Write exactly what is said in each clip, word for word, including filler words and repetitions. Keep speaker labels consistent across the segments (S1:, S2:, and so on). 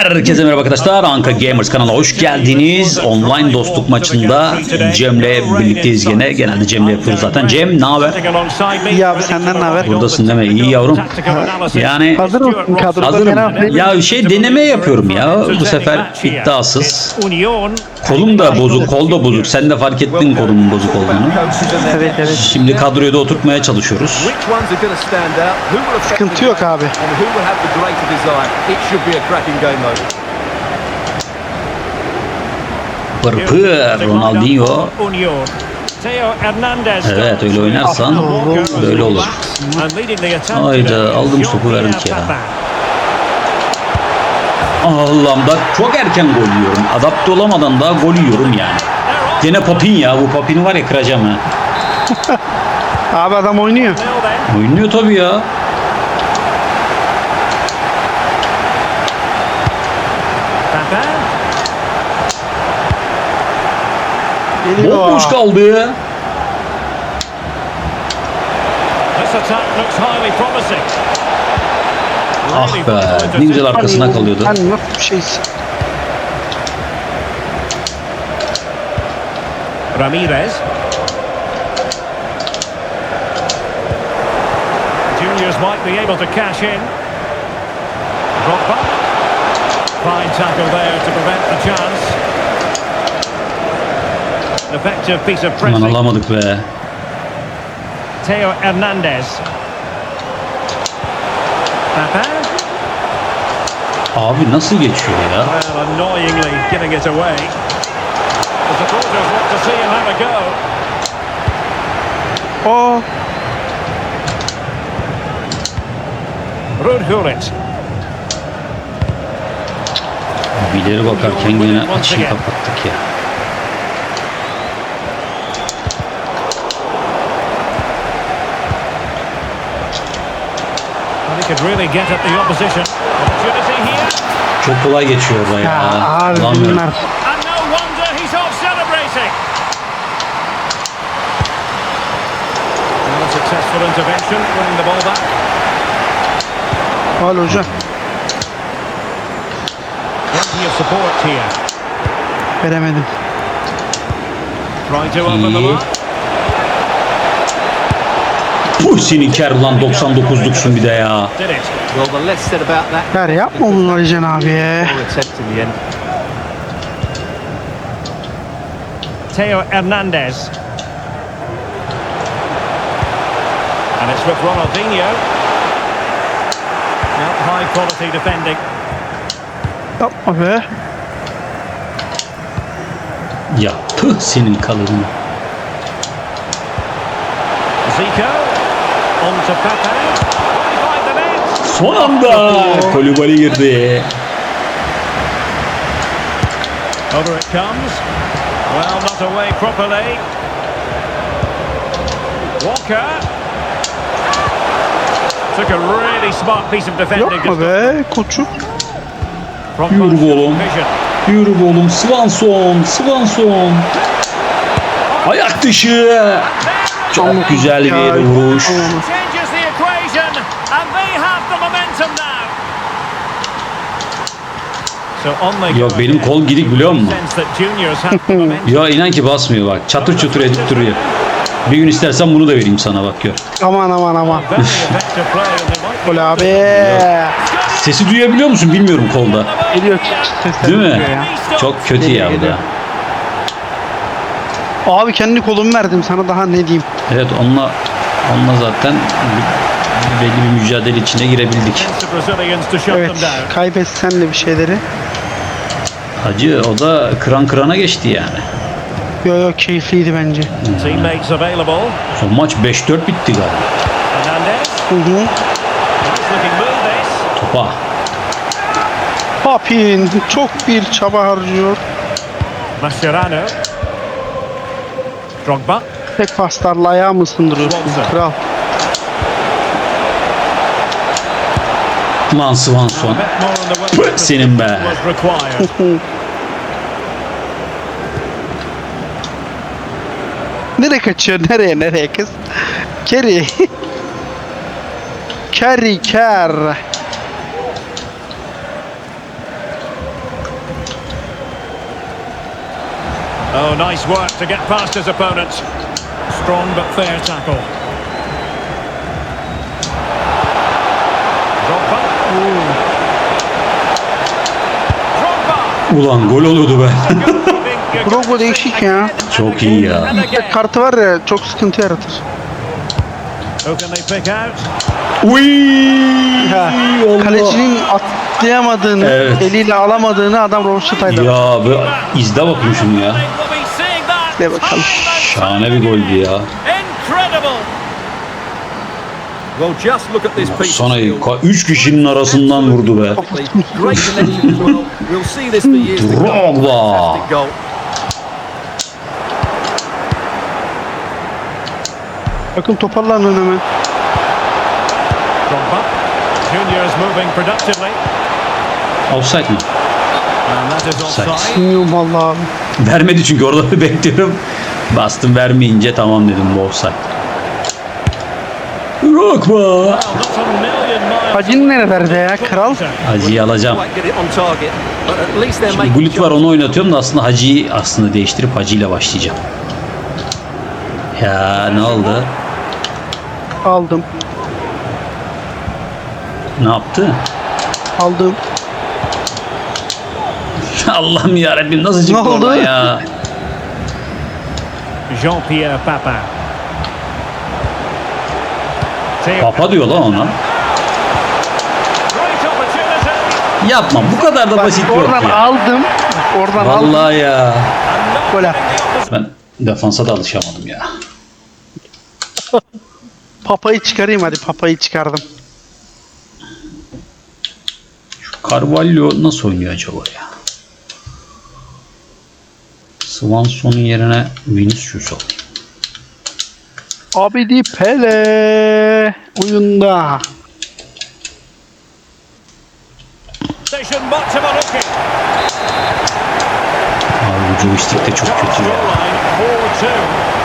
S1: Herkese merhaba arkadaşlar. Anka Gamers kanalına hoş geldiniz. Online dostluk maçında Cem'le birlikteyiz gene. Genelde Cem'le yapıyoruz zaten. Cem ne haber?
S2: İyi abi, senden ne haber?
S1: Buradasın değil mi? İyi yavrum. Yani
S2: Hazır mısın kadroda?
S1: hazırım. Ya şey deneme yapıyorum ya. Bu sefer iddiasız. Kolum da bozuk, kol da bozuk. Sen de fark ettin kolumun bozuk olduğunu.
S2: Evet evet.
S1: Şimdi kadroyu da oturtmaya çalışıyoruz.
S2: Sıkıntı yok abi.
S1: Pırpır Ronaldinho. Evet öyle oynarsan böyle olur. Hayda aldım topu verdik ya. Allah'ım da çok erken gol yiyorum. Adapte olamadan daha gol yiyorum yani. Gene Papin ya, bu Papin'i var ya kıracağım ha.
S2: Abi adam oynuyor.
S1: Oynuyor tabii ya.
S2: Geliyor.
S1: Bomboş kaldı. Ah be, ne güzel arkasına kalıyordu.
S2: Sen nasıl bir şeysin?
S3: Ramirez. Juniors might be able to cash in. Drogba. Fine tackle there to prevent the chance. Effective piece of
S1: Aman
S3: pressing.
S1: alamadık be.
S3: Theo Hernandez. Papa.
S1: Abi nasıl geçiyor ya?
S3: Well, annoyingly giving it away. The supporters want to see him have a go.
S2: O
S3: Ruud Gullit.
S1: Bileri bakarken yine açıyı kapattık ya.
S3: Well, he could really get at the opposition. Opportunity here.
S1: Çok kolay geçiyor orada ya.
S2: ya abi
S1: Lan
S2: bunlar.
S3: And no wonder he's off celebrating. And a successful intervention, winning the ball back.
S2: Al hocam.
S3: Plenty of support here.
S2: Veremedim.
S3: Trying to open the
S1: İyi.
S3: mark.
S1: Puh senin ker ulan doksan dokuzluksun bir de ya.
S3: Did it.
S4: Well, the less said about that,
S2: Ver yapma bunu Alican abi.
S4: more attempt in the end.
S3: Theo Hernandez. And it's with Ronaldinho. Now high quality defending.
S2: Yapma be.
S1: Ya püh senin kalını.
S3: Zico. On to Pepe. Behind the net.
S1: Son anda Kolibali girdi.
S3: Over it comes. Well, not away properly. Walker. Took a really smart piece of defending.
S2: Yapma be koçum.
S3: From
S1: Yürü
S3: Martial
S1: oğlum.
S3: vision.
S1: Yürü be oğlum. Swanson. Swanson. Ayak dışı. Çok güzel bir vuruş.
S3: Changes the equation, and they have the momentum now. So on they go
S1: Yok benim
S3: again.
S1: kol gidik biliyor musun?
S3: Sense that juniors have the momentum.
S1: Ya inan ki basmıyor bak. Çatır çutur edip duruyor. Bir gün istersen bunu da vereyim sana bak gör.
S2: Aman aman aman.
S3: Very effective play, and they might be
S2: Gol
S3: able to-
S2: abi.
S1: Sesi duyabiliyor musun bilmiyorum kolda.
S2: Geliyor sesler.
S1: Değil mi?
S2: geliyor ya.
S1: Çok kötü ya bu da.
S2: Abi kendi kolumu verdim sana, daha ne diyeyim.
S1: Evet onunla onunla zaten bir- belli bir mücadele içine girebildik.
S3: The Brazilians to shut
S2: Evet,
S3: them down.
S2: kaybetsen de bir şeyleri.
S1: Hacı o da kıran kırana geçti yani.
S2: Yo yo keyifliydi bence.
S3: Teammates available.
S1: Son maç beş dört bitti galiba.
S3: Hernandez.
S2: Hı hı.
S3: Nice looking move this.
S1: Topa.
S2: Papin çok bir çaba harcıyor.
S3: Mascherano. Drogba.
S2: Tek paslarla ayağı mı ısındırıyorsun
S3: Swanson.
S2: kral?
S1: Lan Swanson.
S3: A bit more on the way.
S1: Püh, senin be.
S3: Was required.
S2: Nereye kaçıyor? Nereye nereye kız? Kerry. Kerry ker.
S3: Oh, nice work to get past his opponent. Strong but fair tackle. Drogba. Drogba.
S1: Ulan gol oluyordu be.
S2: Drogba değişik ya.
S1: Çok iyi ya.
S2: Tek kartı var ya, çok sıkıntı yaratır.
S3: Who can they pick out?
S1: Uy!
S2: Ha,
S1: Allah.
S2: kalecinin atlayamadığını,
S1: Evet.
S2: eliyle alamadığını adam Roşatay'da.
S1: Ya be, izle bakayım şunu ya.
S3: They will be seeing that.
S2: De bakalım.
S1: Şahane bir goldü ya.
S3: Incredible.
S4: Well, just look at this piece of
S1: Sonra
S4: skill.
S1: üç kişinin arasından vurdu be.
S4: Great connection as well. We'll see this for years to come.
S1: Drogba.
S4: Fantastic goal.
S2: Bakın toparlanın hemen.
S3: Drogba. Junior's moving productively.
S1: Offside mi?
S3: And that is offside.
S2: Bilmiyorum vallahi abi.
S1: Vermedi çünkü orada bir bekliyorum. Bastım vermeyince tamam dedim bu offside. Drogba.
S3: Well, not a million miles.
S2: Hacin nerelerde ya kral?
S1: Hacı'yı alacağım.
S4: Quite get it on target, but at least they're making
S1: Gullit var onu oynatıyorum da aslında Hacı'yı aslında değiştirip Hacı ile başlayacağım. Ya ne oldu?
S2: Aldım.
S1: Ne yaptı?
S2: Aldım.
S1: Allah'ım yarabbim nasıl çıktı
S2: Ne oldu?
S1: oradan ya?
S3: Jean-Pierre Papin. Theo-
S1: Papa diyor lan ona.
S3: Great opportunity.
S1: Yapma bu kadar da basit yok
S2: Oradan
S1: ya.
S2: aldım. Oradan aldım.
S1: Vallahi ya.
S2: Gol attı.
S1: Ben defansa da alışamadım ya.
S2: Papayı çıkarayım hadi, papayı çıkardım.
S1: Carvalho nasıl oynuyor acaba ya? Swanson'un yerine Vinicius alayım.
S2: Abidi Pele oyunda.
S3: Station Matsimoruki.
S1: Abi bu joystick de çok kötü ya.
S3: Scoreline four two.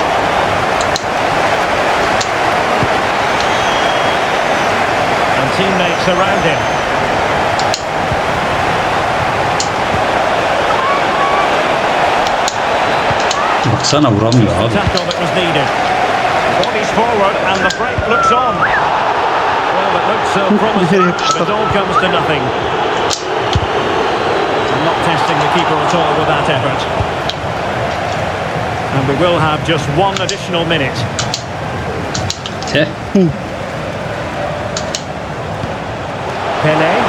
S3: And teammates around him.
S1: Baksana vuramıyor abi.
S3: Tackle that was needed. Bodies forward and the break looks on. Well, it looks so promising, but it all comes to nothing. Not testing the keeper at all with that effort. And we will have just one additional minute.
S1: Te.
S3: Pele.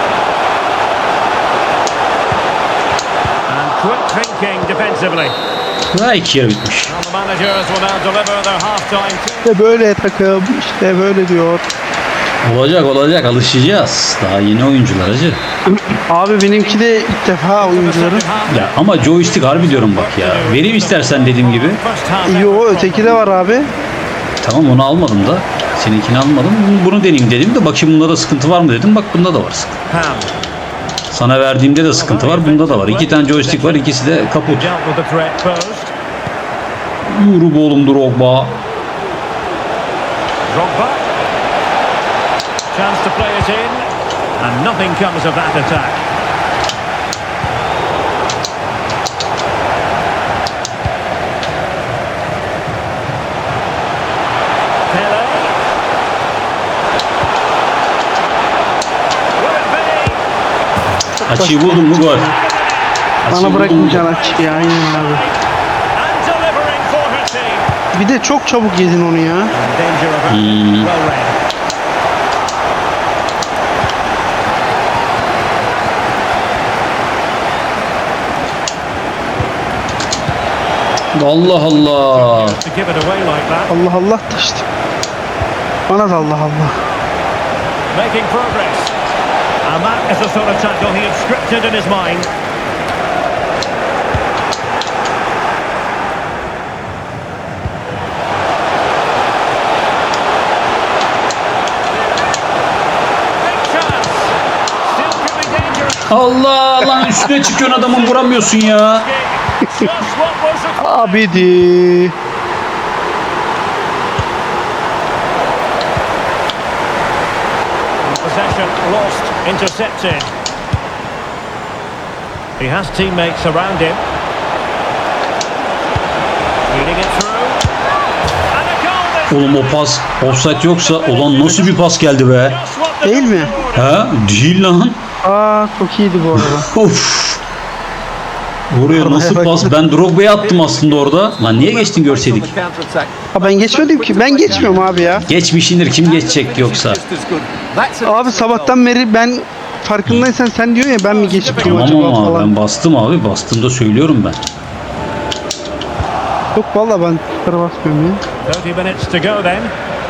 S3: And quick thinking defensively.
S1: Daha iki yarı bitmiş.
S3: And the managers will now deliver their half-time.
S2: İşte böyle takım, işte böyle diyor.
S1: Olacak olacak alışacağız. Daha yeni oyuncular acı.
S2: Abi benimki de ilk defa oyuncuların.
S1: Ya ama joystick harbi diyorum bak ya. Vereyim istersen dediğim gibi.
S2: Yo, öteki de var abi.
S1: Tamam onu almadım da. Seninkini almadım. Bunu, bunu deneyeyim dedim de bakayım bunda da sıkıntı var mı dedim. Bak bunda da var sıkıntı. Sana verdiğimde de sıkıntı var. Bunda da var. İki tane joystick var. İkisi de kaput. Yürü be oğlum Drogba.
S3: Drogba. Chance to play it in. And nothing comes of that attack. Pele. Will it be?
S1: Açıyı buldum mu gol. Açıyı
S2: Bana
S1: buldum mu?
S2: bırakmayacaksın açıyı, aynen abi.
S3: And delivering for her team.
S2: Bir de çok çabuk yedin onu ya.
S3: In danger of a
S1: Hmm.
S3: well read.
S1: Allah Allah.
S3: To give it away like that.
S2: Allah Allah da işte. Bana da Allah Allah.
S3: Making progress. And that is the sort of tackle he had scripted in his mind. Big chance. Still could be dangerous.
S1: Allah lan üstüne çıkıyorsun adamın vuramıyorsun ya.
S3: Just what was required.
S2: Abidi.
S3: Possession lost, intercepted. He has teammates around him.
S1: Oğlum o pas offside yoksa ulan nasıl bir pas geldi be?
S2: Değil mi?
S1: Ha? Değil lan.
S2: Aa çok iyiydi bu arada.
S1: Of. Oraya nasıl pas? Ben Drogba'ya attım aslında orada. Lan niye geçtin görseydik?
S2: Ha ben geçmedim ki. Ben geçmiyorum abi ya.
S1: Geçmişindir, kim geçecek yoksa?
S2: Abi sabahtan beri ben farkındaysan sen diyor ya ben mi geçmiyorum
S1: Tamam
S2: acaba
S1: ama
S2: falan.
S1: ben bastım abi. Bastığımda söylüyorum ben.
S2: Yok valla ben tuşlara basmıyorum ya.
S3: thirty minutes to go then.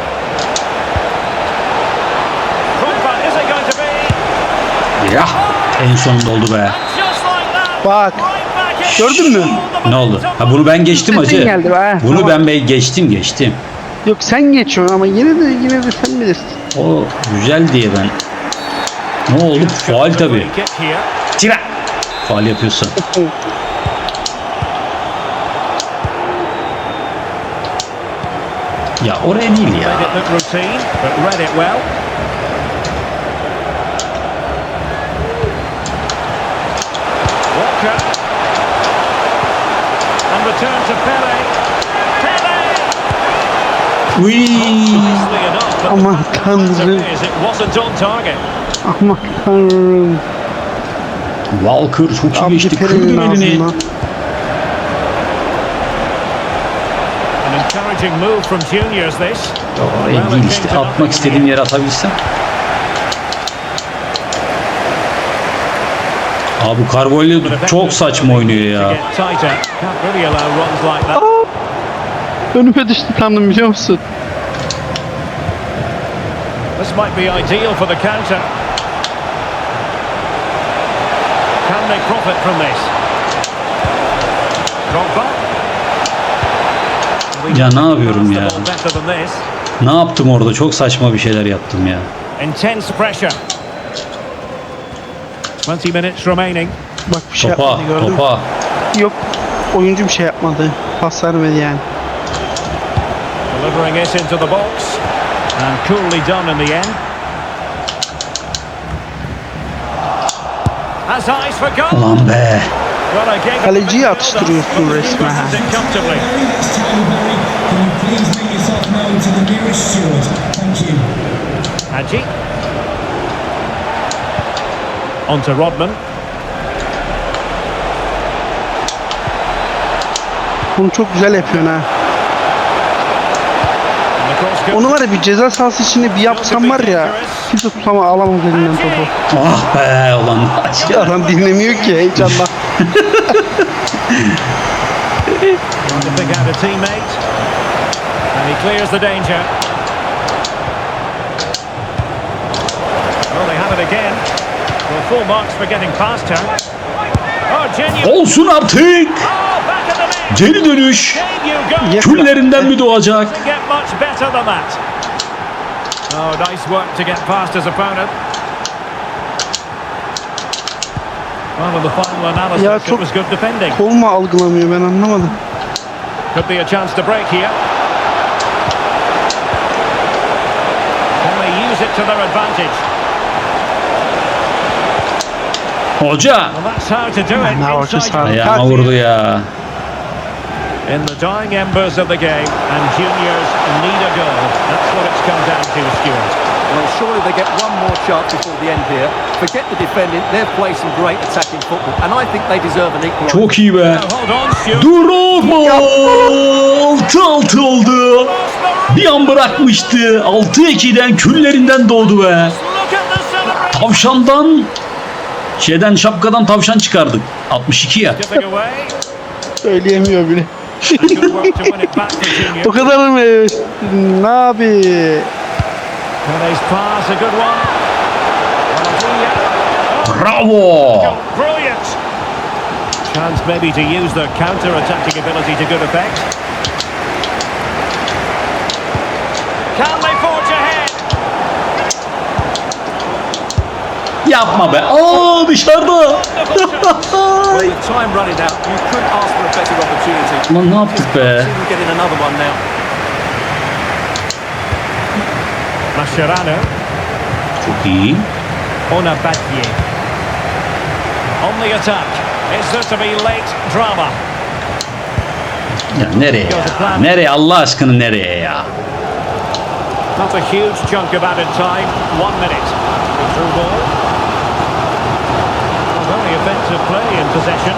S3: Drogba, is it going to be?
S1: Ya en sonunda oldu be.
S3: Just like that.
S2: Bak.
S3: Right back in.
S2: Gördün mü?
S1: Ne oldu? Ha bunu ben geçtim
S2: Sesin
S1: hacı.
S2: geldi be.
S1: Bunu
S2: Tamam.
S1: ben be geçtim geçtim.
S2: Yok sen geçiyorsun ama yine de yine de sen bilirsin.
S1: O güzel diye ben. Ne oldu? Faul tabii.
S3: Kick here.
S1: Tira. Faul yapıyorsun. Ya oraya değil ya.
S3: Made it look routine, but read it well. Walker. And return to Pele. Pele!
S1: Uy.
S3: Nicely enough, but
S2: Aman
S3: the
S2: tanrım.
S3: fact is it wasn't on target.
S2: Aman tanrım.
S1: Walker çok iyi
S2: Abi
S1: geçti. Kırdı
S2: Pelin'in
S1: elini.
S2: ağzından.
S3: An encouraging move from juniors this.
S1: Oraya değil işte. Atmak istediğim yere atabilsem. Abi Carvalho çok saçma oynuyor ya.
S3: To get tighter. Can't really allow runs like that.
S2: Aa! Önüme düştü sandım biliyor musun?
S3: This might be ideal for the counter. Can they profit from this? Drogba.
S1: Ya ne yapıyorum ya?
S3: Better than this.
S1: Ne yaptım orada? Çok saçma bir şeyler yaptım ya.
S3: Intense pressure. twenty minutes remaining.
S2: Bak bir şey
S1: Topa,
S2: yapmadı gördün mü?
S1: topa.
S2: Yok oyuncu bir şey yapmadı. Pas vermedi yani.
S3: Delivering it into the box. And coolly done in the end. Has eyes for goal.
S1: Ulan be.
S3: Well, I gave it
S2: Kaleciyi
S3: a bit
S2: atıştırıyorsun
S3: build-up, but the
S2: resmen.
S3: keeper has it comfortably.
S5: Can you please make yourself known to the nearest steward? Thank you.
S3: Hadji. On to Rodman.
S2: Bunu çok güzel yapıyorsun ha.
S3: And the cross goes.
S2: Onu var ya bir ceza sahası içinde bir yapsam var ya kimse tutama alamaz elinden topu.
S1: Ah be ulan.
S2: Adam dinlemiyor ki heyecanla.
S3: To pick out a teammate. And he clears the danger. Well, they have it again. Well, full marks for getting past her. Oh, genuine.
S1: Olsun artık.
S3: Oh, back in the net.
S1: Geri dönüş.
S3: There you go.
S2: Yeah.
S1: Küllerinden mi doğacak?
S3: Doesn't get much better than that. Oh, nice work to get past his opponent. Well, in the final analysis,
S2: Ya
S3: it
S2: çok-
S3: was good defending.
S2: Kol mu algılamıyor ben anlamadım.
S3: Could be a chance to break here. Can they use it to their advantage?
S1: Hoca.
S3: Well, that's how to do it.
S2: Ne hoca
S3: Inside
S2: sağ-
S1: Ayağıma vurdu ya.
S3: in the dying embers of the game, and juniors need a goal. That's what it's come down to, Stuart.
S4: Well, surely they get one more chance before the end here. Forget the defending. They've played some great attacking football, and I think they deserve an equaliser.
S1: Çok iyi be.
S3: Now, hold on, Stuart.
S1: Drogba. altı altı oldu. Bir an bırakmıştı. altı ikiden küllerinden doğdu be.
S3: Look at the celebration.
S1: Tavşandan şeyden şapkadan tavşan çıkardık. altmış iki ya.
S3: Giving away.
S2: Söyleyemiyor bile.
S3: And good work to win it back to junior.
S2: O kadar mı? Ne abi?
S3: Pele's pass, a good one. Ronaldinho.
S1: Bravo.
S3: Oh, brilliant. Chance maybe to use their counter-attacking ability to good effect. Can they forge ahead?
S1: Yapma be. Aa dışarıda.
S4: Well, with time running out, you couldn't ask for a better opportunity.
S1: Lan ne yaptık be?
S4: See them getting another one now.
S3: Mascherano.
S1: Çok iyi.
S3: Onabadye. On the attack. Is there to be late drama?
S1: Ya nereye ya? Nereye Allah aşkına nereye ya?
S3: Not a huge chunk of added time. One minute. The through ball. Well, very effective play in possession.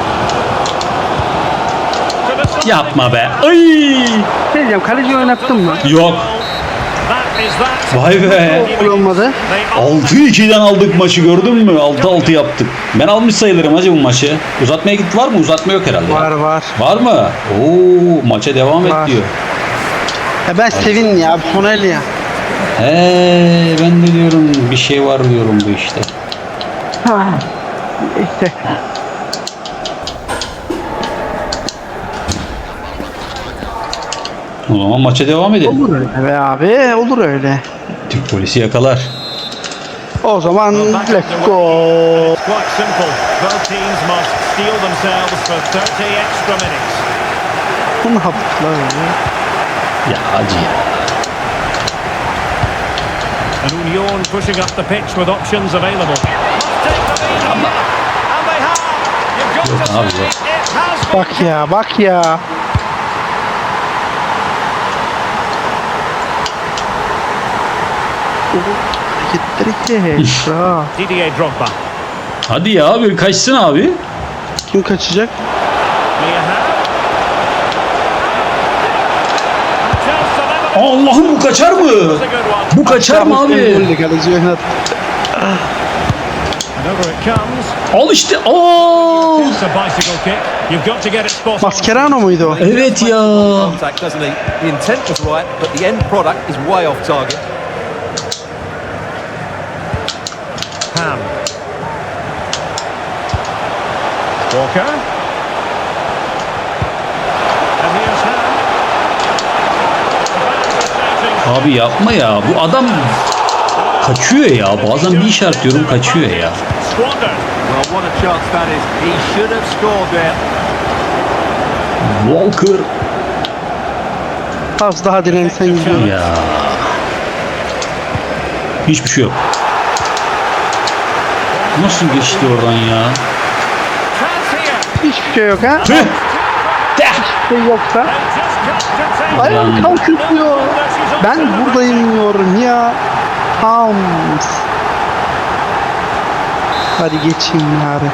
S3: To the side.
S1: Yapma be. Ay!
S2: Ne diyeceğim, kaleci oynattın mı?
S1: Yok.
S3: That is that.
S1: Vay be.
S2: Gol olmadı.
S3: They
S1: altı ikiden aldık maçı, gördün mü? altı altı yaptık. Ben almış sayılırım hacı bu maçı. Uzatmaya gitti, var mı? Uzatma yok herhalde.
S2: Var var.
S1: Var mı? Oo, maça devam et
S2: Var.
S1: diyor.
S2: Ya ben sevin ya, Sonel ya.
S1: He, ben de diyorum bir şey var diyorum bu işte.
S2: Ha. İşte.
S1: O zaman maça devam edelim.
S2: Olur öyle be abi, olur öyle.
S1: Türk polisi yakalar.
S2: O zaman
S3: Back
S2: let's
S3: underway.
S2: go.
S3: It's quite simple. Both teams must steel themselves for thirty extra minutes.
S2: Bu ne yaptılar öyle?
S1: Ya hacı ya.
S3: And Union pushing up the pitch with options available. Must take the lead here. And they have. You've got to
S1: Yok abi,
S3: say
S1: yok.
S3: it has been.
S2: Bak ya, bak ya. Hareketleri kes. Bravo.
S3: Didier Drogba.
S1: Hadi ya abi, kaçsın abi.
S2: Kim kaçacak?
S3: Mia Hamm. Chance to level it.
S1: Allah'ım, bu kaçar mı?
S3: It's a good one.
S1: Bu kaçar mı abi?
S2: Golle kaleci oynattı.
S3: And over it comes.
S1: Al işte. Aa!
S3: It's a bicycle kick. You've got to get it spot on.
S2: Mascherano muydu o?
S1: Evet ya.
S4: Contact, doesn't he? The intent was right, but the end product is way off target.
S3: Ham. Walker. And here's Ham.
S1: Abi yapma ya. Bu adam kaçıyor ya. Bazen bir işaret diyorum, kaçıyor ya.
S3: Squandered.
S4: Well, what a chance that is. He should have scored there.
S1: Walker.
S2: Az daha dirensen gidiyor.
S1: Ya. Hiçbir şey yok. Nasıl geçti oradan ya?
S3: Chance here.
S2: Hiçbir şey yok ha.
S1: Tüh! Teh!
S2: Hiçbir şey yoksa.
S3: They just can't contain
S2: Ayağa
S1: Ulan.
S2: kalkıyor. Ben buradayım diyorum ya. Hams. Hadi geçeyim bari.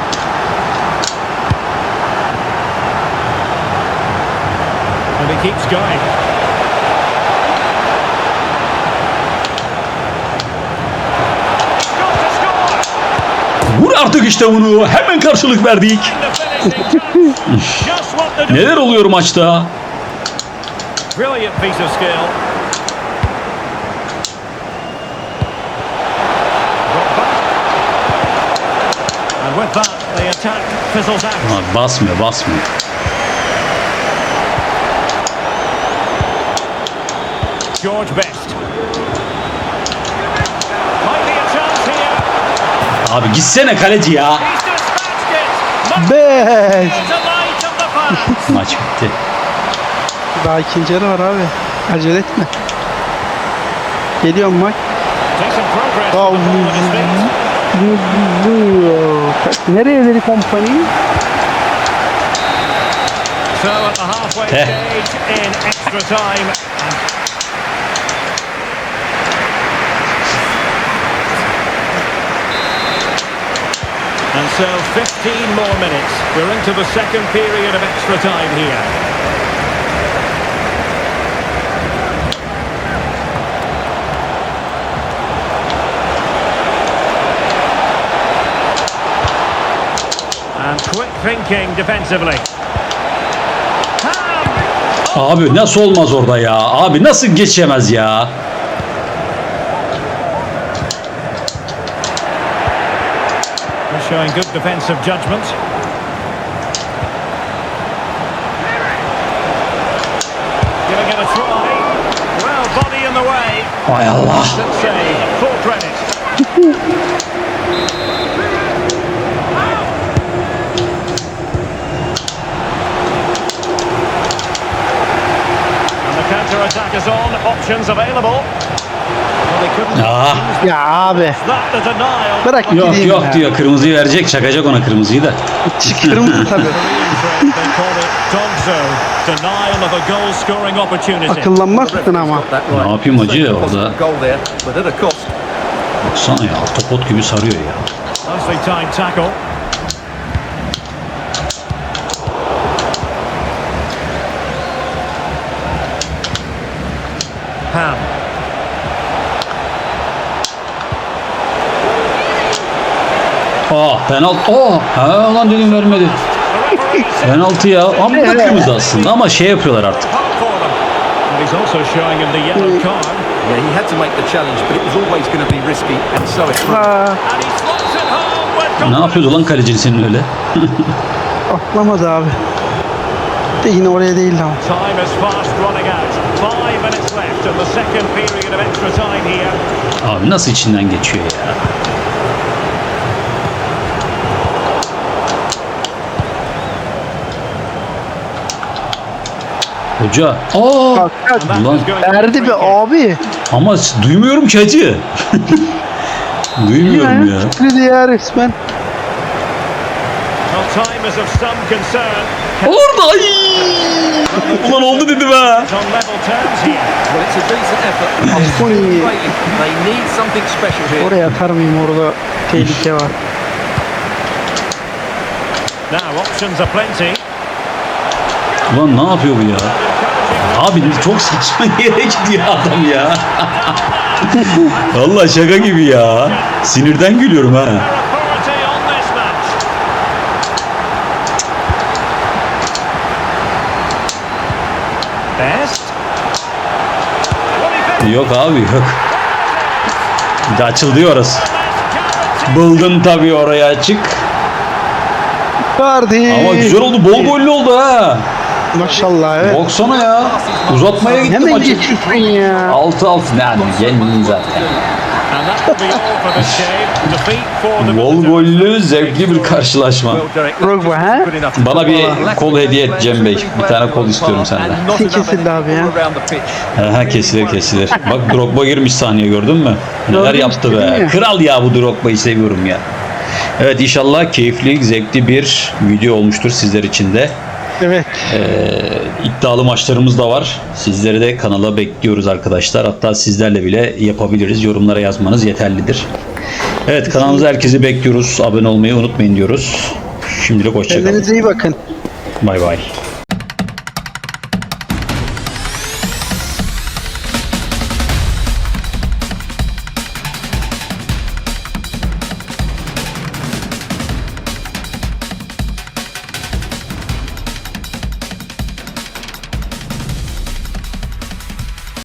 S3: And he keeps going. Got to score.
S1: Vur artık işte bunu. Hemen karşılık verdik.
S3: The finishing touch. Just what the
S1: Neler oluyor maçta?
S3: brilliant piece of skill. Drogba. And with that, the attack fizzles out.
S1: Abi basmıyor, basmıyor.
S3: George Best. Might be a chance here.
S1: Abi gitsene kaleci ya.
S3: He's dispatched it. Must
S2: Beş.
S3: be the light of the fans.
S1: Maç bitti.
S2: Daha ikinci yarı var abi. Acele etme. Geliyorum bak.
S3: Decent progress.
S2: Aa,
S3: with the ball at his feet.
S2: Nereye dedi kompanyayı?
S3: So at the halfway
S1: Eh.
S3: stage in extra time. And so fifteen more minutes. We're into the second period of extra time here. And quick thinking defensively. Ham!
S1: Abi nasıl olmaz orada ya? Abi nasıl geçemez ya?
S3: They're showing good defensive judgment. Giving it a try. Well, body in the way.
S1: Hay Allah.
S3: Good save. Full credit. And the counter-attack is on. Options available. Well, they couldn't
S1: Ah.
S3: use
S2: Ya abi.
S3: that the denial.
S2: Bırak
S1: Yok
S2: gideyim
S1: yok
S2: ya.
S1: diyor, kırmızıyı verecek, çakacak ona kırmızıyı da.
S2: Kırmızı tabii.
S3: They call it dog zone. Denial of a goal scoring opportunity.
S2: Akıllanmazsın ama.
S1: Ne yapayım hacı orada?
S4: Goal there, but at a cost.
S1: Baksana ya, topot gibi sarıyor ya.
S3: Nicely timed tackle. Ham.
S1: Aa penaltı. Aa ha lan dedim vermedi. Penaltı ya. Ama bu da kırmızı aslında ama şey yapıyorlar artık.
S3: Hot for them. And he's also showing him the yellow card.
S4: Yeah, he had to make the challenge, but it was always going to be risky, and so it proved.
S2: Ha,
S3: And he slots it home with
S1: Ne yapıyordu lan kalecin senin öyle?
S2: atlamadı abi. De yine oraya değildi ama.
S3: time is fast running out. Five minutes left in the second period of extra time here.
S1: Abi nasıl içinden geçiyor ya? Hoca. Aa!
S2: Bak, bak.
S3: And that
S1: Ulan.
S3: is going to be a
S2: Erdi
S3: free
S2: be
S3: kick.
S2: abi.
S1: Ama duymuyorum ki hacı. Duymuyorum ya.
S2: Dedi ya resmen.
S3: Well, time is of some concern.
S1: Orada ay! Ulan oldu dedim ha.
S3: It's on level terms here.
S4: Well, it's a decent effort.
S2: Ascoli.
S4: Greatly. They need something special here.
S2: Oraya atar mıyım, orada tehlike var.
S3: Now options are plenty.
S1: Ulan ne yapıyor bu ya? Abi çok saçma yere gidiyor adam ya. Vallahi şaka gibi ya. Sinirden gülüyorum ha.
S3: Their authority on this match. Best. What do you think?
S1: Yok abi yok. Bir de açıldı ya orası. Buldun tabii oraya açık.
S2: Vardı.
S1: Ama güzel oldu. Bol gollü oldu ha.
S2: Maşallah evet.
S1: Baksana ya. Uzatmaya gitti
S2: Hemen
S1: maçı.
S2: geçiyorsun ya.
S1: altı altı ne yani? Yenilin zaten.
S3: And that will be all for this game. Defeat for the
S1: Bol
S3: visitors.
S1: gollü zevkli bir karşılaşma.
S4: Well, Derek,
S2: Drogba, ha?
S4: good enough.
S1: Bana bir kol hediye et Cem Bey. Bir tane kol istiyorum senden.
S4: And not enough
S2: Kesildi abi ya.
S4: around the pitch.
S1: Aha kesilir kesilir. Bak Drogba girmiş sahneye, gördün mü? Neler
S2: Gördüm,
S1: yaptı
S2: dedim
S1: be.
S2: ya.
S1: Kral ya bu Drogba'yı seviyorum ya. Evet inşallah keyifli, zevkli bir video olmuştur sizler için de.
S2: Evet.
S1: İddialı maçlarımız da var. Sizleri de kanala bekliyoruz arkadaşlar. Hatta sizlerle bile yapabiliriz. Yorumlara yazmanız yeterlidir. Evet kanalımıza herkesi bekliyoruz. Abone olmayı unutmayın diyoruz. Şimdilik hoşçakalın.
S2: Kendinize iyi bakın.
S1: Bay bay.